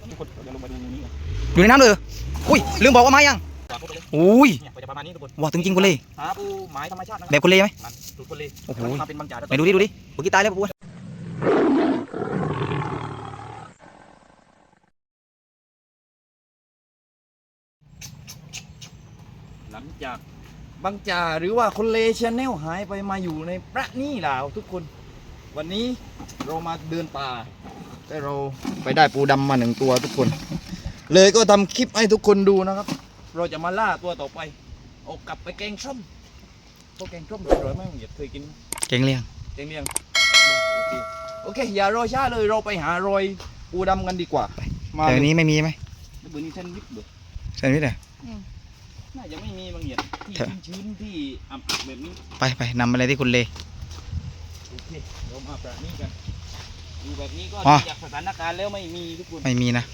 ทุกคนเดี๋ยวลงมาดูนี้กันอยู่ในน้ำเลยอุ้ยลืมบอกว่าไม้ยังจับพวกไปเลยอุ้ยเนี่ยจะประมาณนี้ทุกคนว้าถึงจริงกุเล่หาปูหมายธรรมชาตินะแบบกุเล่ไหมมันสูตรกุเล่โอ้โหมาเป็นบางจ่าไหนดูดิเมื่อกี้ตายแล้วปุ๊บหลังจากบางจ่าหรือว่าคนเลชแนลหายไปมาอยู่ในพระนี่ลาวทุกคนวันนี้เรามาเดินป่าแต่เราไปได้ปูดำมา1 ตัวทุกคน เลยก็ทำคลิปให้ทุกคนดูนะครับ เราจะมาล่าตัวต่อไปเอากลับไปแกงส้มตัวแกงส้มอร่อยไหมมึงเคยกินไหมเก่งเลี้ยงแกงเลียงโอเคอย่ารอช้าเลยเราไปหารอยปูดำกันดีกว่ามาแต่เลอันยนี้ไม่มีไหมเบอร์นี้แซนด์วิชเบอร์แซนด์วิชเหรอน่าจะไม่มีบางเหยียดที่เถอะชื้นๆที่อับๆแบบนี้ไปนำอะไรที่คุณเลโอเคเรามาแบบนี้กันดูแบบนี้ก็อ๋อจากสถานการณ์แล้วไม่มีทุกคนไม่มีนะ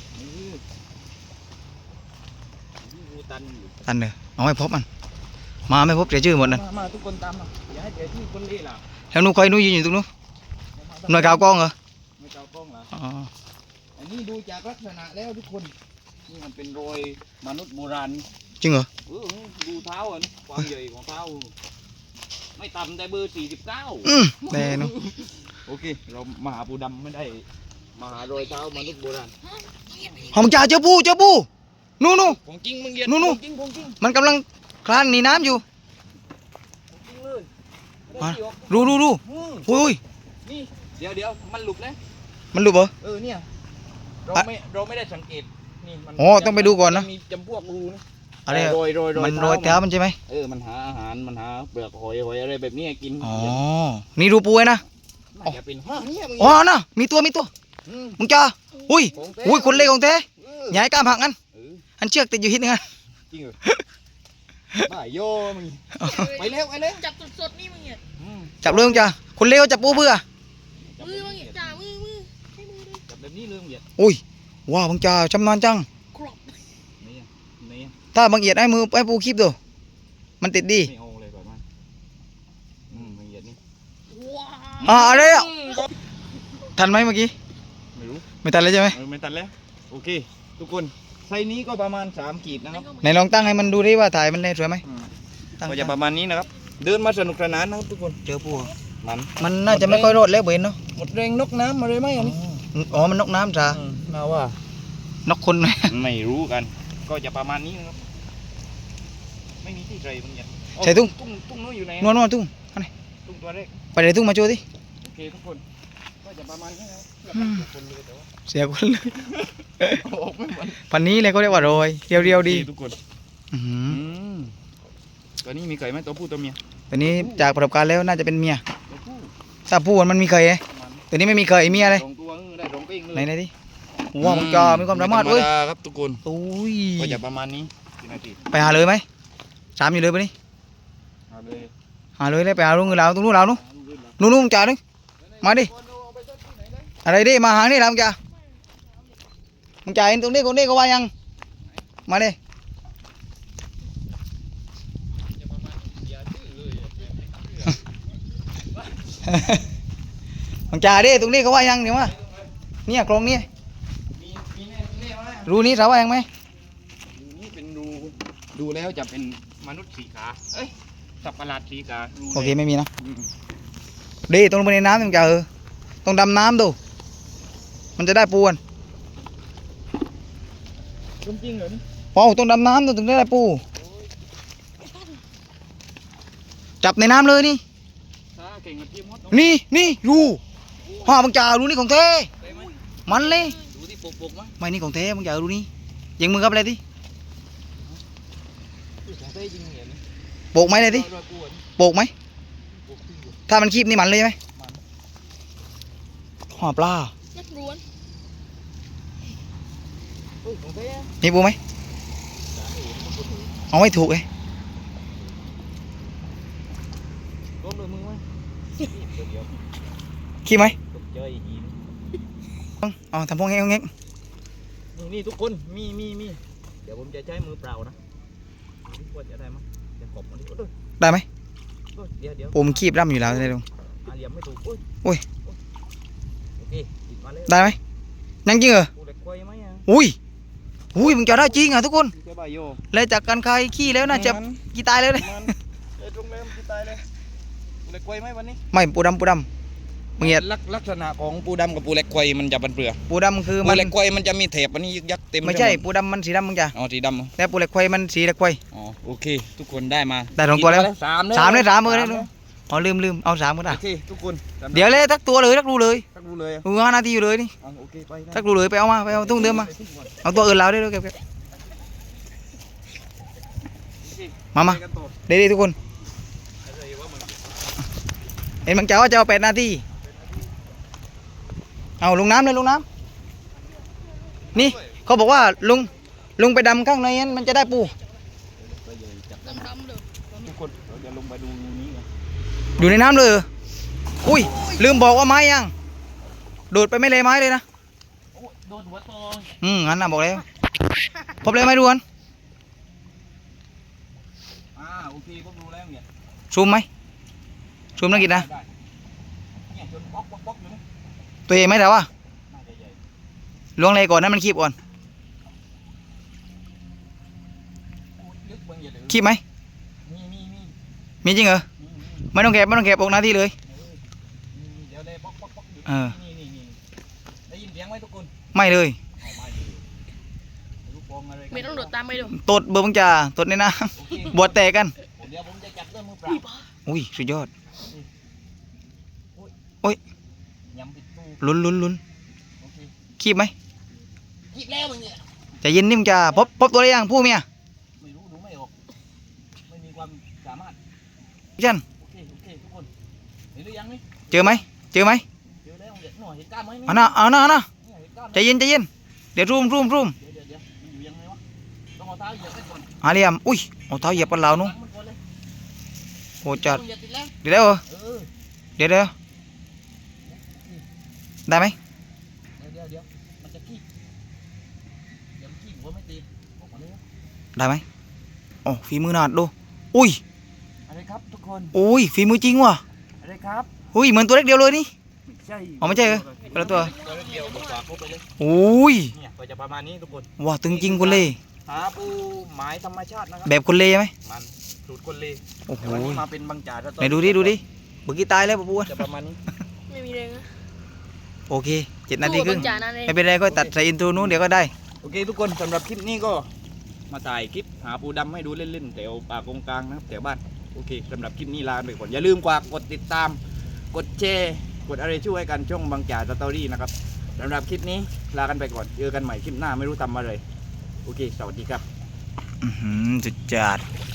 ดูตันอยู่ตันเนอะเอาไม่พบมันมาไม่พบเสียชื่อหมดนั่นมาทุกคนตามมาอย่าให้เดี๋ยวที่คนเล่ล่ะแล้วนู้นคอยนู้นยืนอยู่ตรงนู้นหน่วยข่าวกล้องเหรอไม่เจ้ากล้องเหรออ๋ออันนี้ดูจากลักษณะแล้วทุกคนนี่มันเป็นรอยมนุษย์โบราณจริงเหรอดูเท้าอ่ะนี่ความใหญ่ของเท้าไม่ต่ำแต่เบอร์ 49 แต่นู้นโอเคเรามาหาปูดำไม่ได้มาหารอยเท้ามนุษย์โบราณหอมจ่าเจอปูนู่นของจริงมึงเหยียดนู่นของจริงของจริงมันกำลังคลานหนีน้ำอยู่ของจริงเลยมาได้ที่ออกดูอืมอุ้ยนี่เดี๋ยวมันหลุดนะมันหลุดเหรอเนี่ยเราอ่ะไม่ได้สังเกตนี่มันอ๋อต้องไปดูก่อนนะมีจำพวกรูนะอะไรอะโรยมันโรยเท้ามันใช่ไหมมันหาอาหารมันหาเปลือกหอยอะไรแบบนี้กินอ๋อนี่ดูปูไว้นะน่าจะเป็นเนี่ยมึงอ๋อน่ะมีตัวมมึงจ้าอุ้ยของแท้อุ้ยคนเล่ของแท้เอออย่าให้กล้ามหักงั้นเอออันเชือกติดอยู่หินนึงอ่ะจริงเหรอบ้าโยมึงไปเร็วจับสดๆนี่มึงเนี่ยจับเลยมึงจ้าคนเล่จับปูเบื่อมือมึงเนี่ยจ่ามือใช้มือดิจับแบบนี้เรื่องเหยียดอุ้ยว้าวมึงจ้าชำนาญจังครบนี่ถ้าบางเอียดให้มือให้ปูคลิปดูมันติดดีไม่เอาเลยแบบนั้นบางเหยียดนี่ว้าวอะไรอ่ะทันไหมเมื่อกี้ไม่รู้ไม่ทันเลยใช่ไหมไม่ตัดแล้วโอเค ทุกคนไซส์นี้ก็ประมาณ3 ขีดนะครับไหนลองตั้งให้มันดูดิว่าถ่ายมันได้สวยไหมตั้งก็จะประมาณนี้นะครับ เดินมาสนุกสนานนะครับทุกคนเจอปูมันน่าจะไม่ค่อยรอดแล้วเบนเนาะหมดแรงนกน้ำมาเลยไหมอันนี้อ๋อมันนกน้ำจ้ามาว่านกคนไหมไม่รู้กัน ก็จะประมาณนี้นะครับไม่มีที่ใส่บางอย่างใส่ตุ้งตุ้งนู้นอยู่ไหนนวลตุ้งอันไหนตุ้งตัวแรกไปเลยตุ้งมาโชว์ดิโอเคทุกคนก็จะประมาณนี้นะครับเพื่อคนเลยแต่ว่าเสียคนเลยออกไม่หมดพันนี้เลยก็เรียกว่าโรยเรียวๆดีทุกคนอื้อหือตัวนี้มีไก่ไหมตัวผู้ตัวเมียตัวนี้จากประสบการณ์แล้วน่าจะเป็นเมียตัวผู้ถ้าผู้มันมีเคยไงประมาณตัวนี้ไม่มีเคยเมียเลย 2 ตัวได้2ปิ้งเลยไหนดิว้าวมันจะมีความสามารถเว้ยไธรรมดครับทุกคนอุ้ยก็จะประมาณนี้กี่นาทีไปหาเลยไหมสามอยู่เลยปะนี่เอาเลยหาเลยเลยไปหาลุงเงินเราตรงนู้นเรานู้นนู้นจ่าดิมาดิอะไรดิมาหานี่เราจ่ามึงจ่าเห็นตรงนี้คนนี้ก็ว่ายังมาดิมึงจ่าดิตรงนี้เขาว่ายังเดี๋ยวมาเนี่ยกรงนี้มีแน่ไหมรูนี้เขาว่ายังไหมรูนี้เป็นรูดูแล้วจะเป็นมนุษย์สีขาเอ้ยสัตว์ประหลาดสีขารูโอเคไม่มีนะอืมดีตรงลงไปในน้ำมึงจ่าต้องดำน้ำดูมันจะได้ปูกันจริงเหรอนี่ว้าวต้องดำน้ำถึงได้ปูจับในน้ำเลยนี่ถ้าเก่งกับพี่มดนี่รูห่ามึงจ่ารูนี่ของเทได้ไหมมันเลยดูที่ปกๆมั้ยไม่นี่ของเทมึงจ่ารูนี่ยิงมือกับอะไรดิได้จริงเหรอนี่โปกไหมเลยดิรอยกวนโปกไหมปกที่อยู่ถ้ามันคีบนี่มันเลยใช่ไหมห่อปลานักล้วนของแท้มีปูไหมเอาไม่ถูกเลยล้มโดยมือมั้ยเดี๋ยวคีบไหมตกใจหินเอาทำพวกเงี้ยนี่ทุกคนมีเดี๋ยวผมจะใช้มือเปล่านะว่าจะได้มั้ยจะขบมันดิโอ้ยได้ไหมเดี๋ยวปูมันคีบร่ำอยู่แล้วได้ลุงเหลี่ยมไม่ถูกโอ้ยโอเคติดมาเลยได้ไหมยังจริงเหรอปูเหล็กควายไหมอ่ะอุ้ยมึงจะได้จริงอ่ะทุกคนแค่ใบโยเลยจากการคายขี้แล้วน่าจะกี่ตายแล้วเลยมันไอ้ตรงเริ่มที่ตายเลยปูเล็กควายไหมวันนี้ไม่ปูดำมึงเห็นลักษณะของปูดำกับปูเล็กควายมันจะเป็นเปลือกปูดำคือปูมันเล็กควายมันจะมีเถบอันนี้ยึกยักเต็มไม่ใช่ปหดปูดำมันสีดำมึงจ้ะอ๋อสีดำเหรอแต่ปูเหล็กไฟมันสีเหล็กไฟอ๋อโอเค ทุกคนได้มาได้สองตัวแล้วสามสามเลยสามมือเลยแล้วอ๋อลืมเอา3ก็ได้โอเคทุกคนสำหรับเดี๋ยวเลยทักตัวเลยทักรูเลยทักดูเลยอ่ะ 5 นาทีอยู่เลยนี่อ๋อโอเคไปได้ทักรูเลยไปเอาตุ้งเดิมมาเอาตัวอื่นเราได้ด้วยเก็บมาไปกันต่อเดี๋ยวทุกคนเห็นบางเจ้าว่าจะเอา8 นาทีเอาลงน้ำเลยลงน้ำนี่เขาบอกว่าลุงไปดำข้างในนั้นมันจะได้ปูดำๆเลยทุกคนเราจะลงไปดูนี้กันอยู่ในน้ำเลยเหรออุ้ยลืมบอกว่าไม้ยังโดดไปไม่เลยไม้เลยนะโอ้โดนหัวโตงั้นน่ะบอกแล้วพบเลยไหมดูกันโอเคผมดูแล้วเนี่ยซูมไหมซูมนักกิจนะได้เนี่ยจนบล็อกอยู่นี่ตัวใหญ่ไหมแต่ว่าน่าจะใหญ่ล้วงเลยก่อนนั้นมันคีบก่อนโอ้ยลึกบางอย่างเลยคีบไหมมีมีจริงเหรอไม่ต้องแกะออกหน้าที่เลยเดี๋ยวได้บล็อกอยู่เออนี่ได้ยินเสียงไหมทุกคนไม่เลยเอาไม่ดีลูกโป่งอะไรกันไม่ต้องโดดตามไปดูตดเบอร์บังจ่าตดในน้โอเคำ บวชแตกกันเดี๋ยวผมจะจับด้วยมือเปล่าอุ้ยสุดยอดยำปิดตู้ลุ้นโอเคคีบไหมคิดแล้วมึงเนี่ยใจเย็นนิ่มจ่าพบตัวได้ยังผู้เมียไม่รู้ดูไม่ออกไม่มีความสามารถยันโอเคทุกคนเห็นหรือยังนี่เจอไหมเจอแล้วเดี๋ยวหน่อยเห็นกล้ามไหมนี่เอาหน้าเนี่ยเห็นกล้ามไหมใจเย็นเดี๋ยวรูมเดี๋ยวมันอยู่ยังไงวะต้องเอาเท้าเหยียบไปก่อนหาเหลี่ยมอุ้ยเอาเท้าเหยียบกันแล้วนู้นมันก่อนเลยโหจัดต้องเหยียบติดแล้วเดี๋ยวได้เหรอเออเดี๋ยวได้ไหมเดี๋ยวมันจะขี้เดี๋ยวมันขี้หัวไม่ตีบอกมาเลยได้ไหมโอ้ฝีมือหนาดดูอุ้ยอะไรครับทุกคนอุ้ยฝีมือจริงว่ะอะไรครับอุ้ยเหมือนตัวเล็กเดียวเลยนี่ไม่ใช่อ๋อไม่ใช่เหรอคนละตัวตัวเดียวบอกฝากเขาไปเลยอุ้ยเนี่ยก็จะประมาณนี้ทุกคนว้าตึงจริงคนเล่หาปูหมายธรรมชาตินะครัแบบคนเล่ไหมมันสูตรคนเลโอ้โหแต่วันนี้มาเป็นบางจ่าไหนดูดิเมื่อกี้ตายแล้วปะปูจะประมาณนี้ไม่มีแรงนะโอเค7 นาทีครึ่งสู้กับจ่านั่นเองไม่เป็นไรก็ตัดใส่อินโทรนู้นเดี๋ยวก็ได้โอเคทุกคนสำหรับคลิปนี้ก็มาถ่ายคลิปหาปูดำให้ดูเล่นๆแถวป่ากงกลางนะครับแถวบ้านโอเคสำหรับคลิปนี้ลาไปก่อนอย่าลืมกดติดตามกดแชร์กดอะไรช่วยกันช่องบางจ่าสตอรี่นะครับสำหรับคลิปนี้ลากันไปก่อนเจอกันใหม่คลิปหน้าไม่รู้ทำอะไรโอเคสวัสดีครับสุดจัด